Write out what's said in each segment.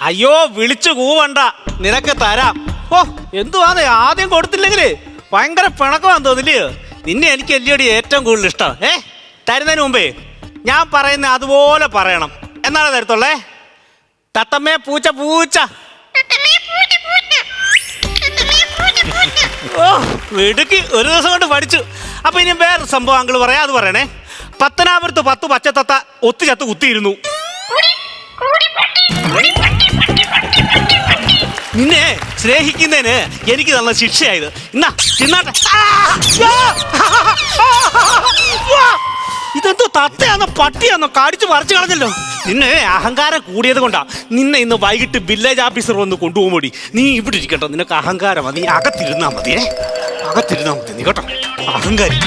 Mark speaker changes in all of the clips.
Speaker 1: അയ്യോ വിളിച്ചു കൂവണ്ട, നിനക്ക് തരാം. ഓ എന്തുവാന്ന് ആദ്യം കൊടുത്തില്ലെങ്കില് ഭയങ്കര പിണക്കമാന്ന് തോന്നില്ലയോ? നിന്നെ എനിക്ക് എല്ലിയോടി ഏറ്റവും കൂടുതൽ ഇഷ്ടം. തരുന്നതിന് മുമ്പേ ഞാൻ പറയുന്ന അതുപോലെ പറയണം, എന്നാണ് തരത്തുള്ളേ. തത്തമ്മേ പൂച്ച പൂച്ച. ഓ വെടുക്കി ഒരു ദിവസം കൊണ്ട് പഠിച്ചു. അപ്പൊ ഇനി വേറൊരു സംഭവം അങ്കിള് പറയാം, അത് പറയണേ. പത്തനാപുരത്ത് 10 പച്ചത്തത്ത ഒത്തുചത്ത് കുത്തിയിരുന്നു. നിന്നെ സ്നേഹിക്കുന്നതിന് എനിക്ക് തന്ന ശിക്ഷയായത്. എന്നാ തിന്നാട്ടെ. ഇതെന്തോ തത്തയാന്നോ പട്ടിയാന്നോ കടിച്ചു മറിച്ചു കളഞ്ഞല്ലോ. നിന്നെ അഹങ്കാരം കൂടിയത് കൊണ്ടാ നിന്നെ ഇന്ന് വൈകിട്ട് വില്ലേജ് ഓഫീസർ വന്ന് കൊണ്ടുപോകുമ്പോടി നീ ഇവിടെ ഇരിക്കട്ടോ. നിനക്ക് അഹങ്കാരം, നീ അകത്തിരുന്നാ മതി. അകത്തിരുന്നാ മതി നീ കേട്ടോ, അഹങ്കാരി.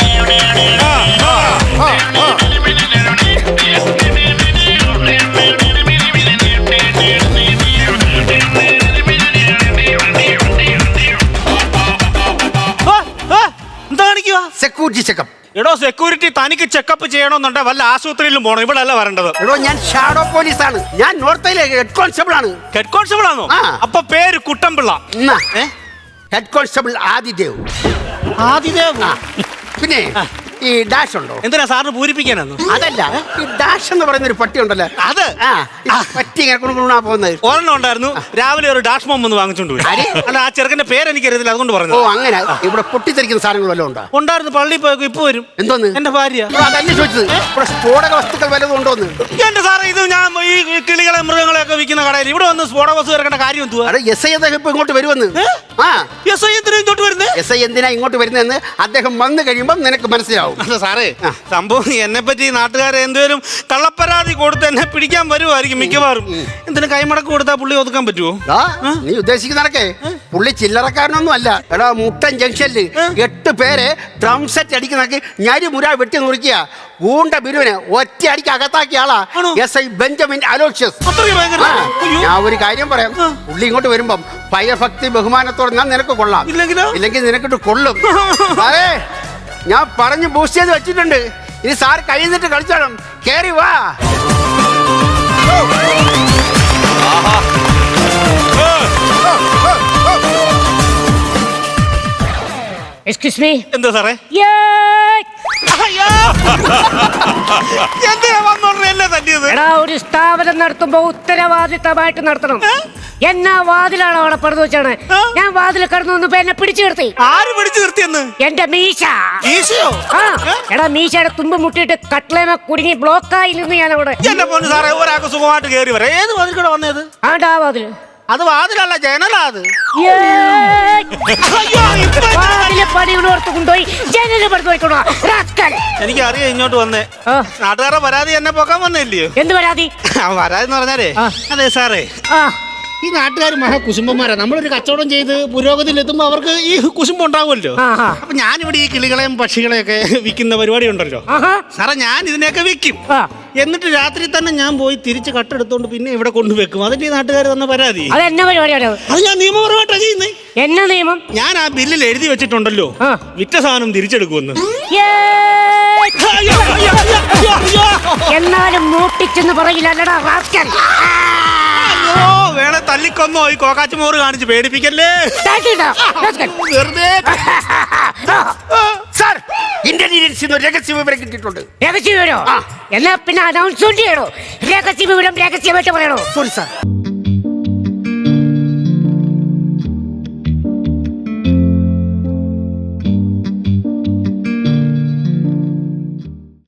Speaker 1: എന്താ കാണിക്കുക?
Speaker 2: Security checkup.
Speaker 1: എടോ സെക്യൂരിറ്റി തനിക്ക് ചെക്കപ്പ് ചെയ്യണമെന്നുണ്ടെ വല്ല ആശുപത്രിയിലും പോകണം, ഇവിടെ അല്ല വരേണ്ടത്.
Speaker 2: എടോ ഞാൻ ഷാഡോ പോലീസാണ്. ഞാൻ നോർത്തിലെ ഹെഡ് കോൺസ്റ്റബിൾ ആണ്.
Speaker 1: ഹെഡ് കോൺസ്റ്റബിൾ ആണോ? അപ്പൊ പേര് കുട്ടൻപിള്ള.
Speaker 2: Head constable Adidev.
Speaker 1: ആദിദേവ്?
Speaker 2: പിന്നെ ഈ ഡാഷ് ഉണ്ടോ?
Speaker 1: എന്തിനാ സാറിന് പൂരിപ്പിക്കാനോ?
Speaker 2: അതല്ല, ഈ ഡാഷ് എന്ന് പറയുന്ന ഒരു പട്ടി ഉണ്ടല്ലോ,
Speaker 1: അത്
Speaker 2: പട്ടി ഇങ്ങനെ പോകുന്നത്.
Speaker 1: ഒരെണ്ണം ഉണ്ടായിരുന്നു, രാവിലെ ഒരു ഡാഷ് ബോംബ് ഒന്ന് വാങ്ങിച്ചോണ്ട് പോയി. അല്ല ആ ചെറുക്കന്റെ പേര് എനിക്കറിയത്തില്ല, അതുകൊണ്ട് പറഞ്ഞു.
Speaker 2: ഓ അങ്ങനെ. ഇവിടെ പൊട്ടിത്തെറിക്കുന്ന സാധനങ്ങൾ വല്ലതും ഉണ്ടോ?
Speaker 1: ഉണ്ടായിരുന്നു, പള്ളിയിൽ പോയി ഇപ്പൊ വരും.
Speaker 2: എന്തോന്ന്?
Speaker 1: എന്റെ ഭാര്യ.
Speaker 2: അതന്നെ ചോദിച്ചത്. ഇവിടെ സ്ഫോടക വസ്തുക്കൾ വല്ലതും ഉണ്ടോന്ന്.
Speaker 1: എന്റെ സാറേ, ഇത് ഞാൻ ഈ കിളികളെ മൃഗങ്ങളെ ഒക്കെ വിൽക്കുന്ന കടയിൽ ഇവിടെ വന്ന് സ്ഫോടക വസ്തു ഇറക്കേണ്ട കാര്യം എന്തുവാ?
Speaker 2: എസ് ഐ അദ്ദേഹം ഇപ്പൊ ഇങ്ങോട്ട് വരുമെന്ന്.
Speaker 1: എസ് ഐ എന്തിനാ ഇങ്ങോട്ട് വരുന്നത്?
Speaker 2: എസ് ഐ എന്തിനാ ഇങ്ങോട്ട് വരുന്നതെന്ന് അദ്ദേഹം വന്നു കഴിയുമ്പോൾ നിനക്ക് മനസ്സിലാവും.
Speaker 1: സാറേ, സംഭവം എന്നെ പറ്റി നാട്ടുകാരെ എന്തേലും കള്ളപ്പരാതി കൊടുത്ത് എന്നെ പിടിക്കാൻ വരുമായിരിക്കും മിക്കവാറും. എന്തിനും കൈമടക്ക് കൊടുത്താൽ പുള്ളി ഒതുക്കാൻ പറ്റുമോ?
Speaker 2: നീ ഉദ്ദേശിക്കുന്നതൊക്കെ പുള്ളി ചില്ലറക്കാരനൊന്നും അല്ല. എടാ മുട്ടൻ ജംഗ്ഷനിൽ 8 പേരെ ഡ്രം സെറ്റ് അടിക്കുന്നതൊക്കെ ഞാരി മുര വെട്ടി നുറുക്കിയ ഗൂണ്ട ബിരുവിനെ ഒറ്റ അടിക്ക് അകത്താക്കിയ ആളാ എസ് ഐ ബെഞ്ചമിൻ അലോഷ്യസ്. ഞാൻ ഒരു കാര്യം പറയാം, പുള്ളി ഇങ്ങോട്ട് വരുമ്പം ഭയഭക്തി ബഹുമാനത്തോടെ ഞാൻ നിനക്ക് കൊള്ളാം, ഇല്ലെങ്കിൽ നിനക്കിട്ട് കൊള്ളും. അതെ, ഞാൻ പറഞ്ഞു ബൂസ്റ്റ് ചെയ്ത് വെച്ചിട്ടുണ്ട്. ഇനി സാർ കഴിയുന്നിട്ട് കളിച്ചോളും. കേറി വാ.
Speaker 3: Excuse me.
Speaker 1: എന്താ സാറേ?
Speaker 3: ഒരു സ്ഥാപനം നടത്തുമ്പോ ഉത്തരവാദിത്തമായിട്ട് നടത്തണം. എന്നാ വാതിലാണ് അവിടെ പടുത്തു വെച്ചാണ്. ഞാൻ വാതിൽ കടന്നു വന്നപ്പോ എന്നെ പിടിച്ചു നിർത്തി.
Speaker 1: ആര് പിടിച്ചു നിർത്തിയെന്ന്?
Speaker 3: എന്റെ മീശ. എടാ മീശയുടെ തുമ്പ് മുട്ടിയിട്ട് കട്ട്ലേമ കുടുങ്ങി ബ്ലോക്കായി നിന്ന് ഞാൻ അവിടെ.
Speaker 1: എന്റെ പൊന്നു സാറേ, ഒരാൾക്ക് സുഖമായിട്ട് കയറി വരാം. ഏത് വാതിൽ കൂടെ വന്നത്?
Speaker 3: ആണ്ടാ വാതില്.
Speaker 1: അത് വാതിലല്ല, ജനലാ. അത്
Speaker 3: പണിയോർത്ത് കൊണ്ടുപോയി ജനല് പടുത്തു വയ്ക്കണോ?
Speaker 1: എനിക്കറിയാം ഇങ്ങോട്ട് വന്നേ. നാട്ടുകാരുടെ പരാതി എന്നെ പോക്കാൻ വന്നില്ലയോ?
Speaker 3: എന്ത് പരാതി?
Speaker 1: പരാതി എന്ന് പറഞ്ഞാലേ, അതെ സാറേ, ഈ നാട്ടുകാർ മഹാകുശുംബന്മാരാ. നമ്മളൊരു കച്ചവടം ചെയ്ത് പുരോഗതിയിലെത്തുമ്പോ അവർക്ക് ഈ കുശുമ്പ് ഉണ്ടാവുമല്ലോ. അപ്പൊ ഞാനിവിടെ ഈ കിളികളെയും പക്ഷികളെയൊക്കെ വിൽക്കുന്ന പരിപാടി ഉണ്ടല്ലോ സാറേ, ഞാൻ ഇതിനെയൊക്കെ വിൽക്കും. എന്നിട്ട് രാത്രി തന്നെ ഞാൻ പോയി തിരിച്ച് കട്ടെടുത്തോണ്ട് പിന്നെ ഇവിടെ കൊണ്ടുവെക്കും. അതിന്റെ ഈ നാട്ടുകാർ തന്ന പരാതി.
Speaker 3: അത് എന്നാ പരിപാടിയാണ്?
Speaker 1: അത് ഞാൻ നിയമപരമായിട്ടാ ചെയ്യുന്നേ.
Speaker 3: എന്നാ നിയമം? ഞാൻ
Speaker 1: ആ ബില്ലിൽ എഴുതി വെച്ചിട്ടുണ്ടല്ലോ, വിറ്റ സാധനം തിരിച്ചെടുക്കുമെന്ന്.
Speaker 3: എന്നാലും മൂട്ടിച്ചെന്ന് പറയില്ലടാ റാസ്കൽ.
Speaker 1: വേണേ തല്ലിക്കൊന്നോ, ഈ കോക്കാച്ചുമോറ് കാണിച്ച് പേടിപ്പിക്കല്ലേ.
Speaker 2: സാർ, ഇന്റലിജൻസിൽ രഹസ്യ വിവരം കിട്ടിയിട്ടുണ്ട്.
Speaker 3: രഹസ്യ വിവരോ? എന്നാ പിന്നെ അനൗൺസ്മെന്റ് ചെയ്യണോ? രഹസ്യ വിവരം രഹസ്യമായിട്ട് പറയണോ?
Speaker 2: Sorry sir.